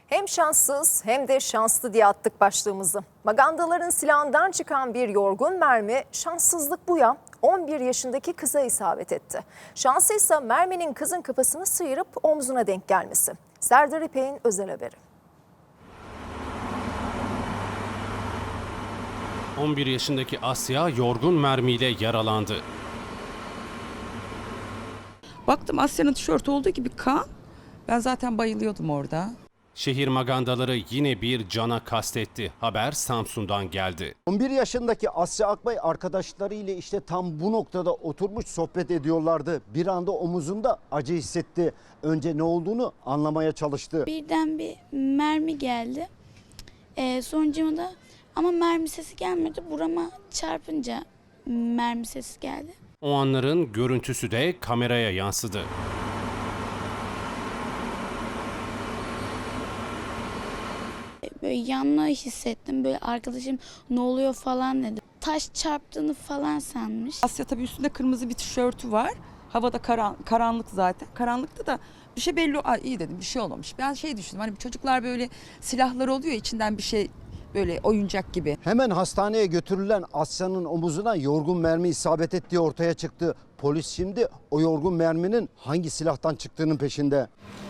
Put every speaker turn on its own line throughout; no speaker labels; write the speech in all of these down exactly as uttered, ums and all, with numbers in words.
Hem şanssız hem de şanslı diye attık başlığımızı. Magandaların silahından çıkan bir yorgun mermi şanssızlık bu ya on bir yaşındaki kıza isabet etti. Şanslıysa merminin kızın kafasını sıyırıp omzuna denk gelmesi. Serdar İpek'in özel haberi.
on bir yaşındaki Asya yorgun mermiyle yaralandı.
Baktım Asya'nın tişörtü olduğu gibi kan. Ben zaten bayılıyordum orada.
Şehir magandaları yine bir cana kastetti. Haber Samsun'dan geldi.
on bir yaşındaki Asya Akbay arkadaşları ile işte tam bu noktada oturmuş sohbet ediyorlardı. Bir anda omuzunda acı hissetti. Önce ne olduğunu anlamaya çalıştı.
Birden bir mermi geldi. Ee, sonucuma da ama mermi sesi gelmedi. Burama çarpınca mermi sesi geldi.
O anların görüntüsü de kameraya yansıdı.
Böyle yanlığı hissettim. Böyle arkadaşım ne oluyor falan dedi. Taş çarptığını falan sanmış.
Asya tabii üstünde kırmızı bir tişörtü var. Havada karan, karanlık zaten. Karanlıkta da bir şey belli. Aa, iyi dedim, bir şey olmamış. Ben şey düşündüm, hani çocuklar böyle silahları oluyor, içinden bir şey böyle oyuncak gibi.
Hemen hastaneye götürülen Asya'nın omuzuna yorgun mermi isabet ettiği ortaya çıktı. Polis şimdi o yorgun merminin hangi silahtan çıktığının peşinde.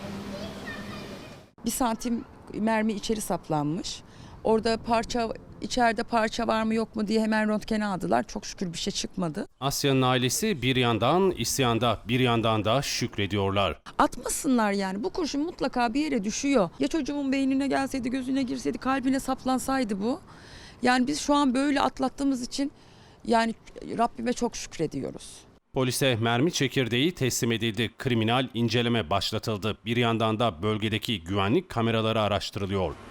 Bir santim mermi içeri saplanmış. Orada parça, içeride parça var mı yok mu diye hemen röntgene aldılar. Çok şükür bir şey çıkmadı.
Asya'nın ailesi bir yandan isyanda, bir yandan da şükrediyorlar.
Atmasınlar yani. Bu kurşun mutlaka bir yere düşüyor. Ya çocuğumun beynine gelseydi, gözüne girseydi, kalbine saplansaydı bu. Yani biz şu an böyle atlattığımız için yani Rabbime çok şükrediyoruz.
Polise mermi çekirdeği teslim edildi. Kriminal inceleme başlatıldı. Bir yandan da bölgedeki güvenlik kameraları araştırılıyor.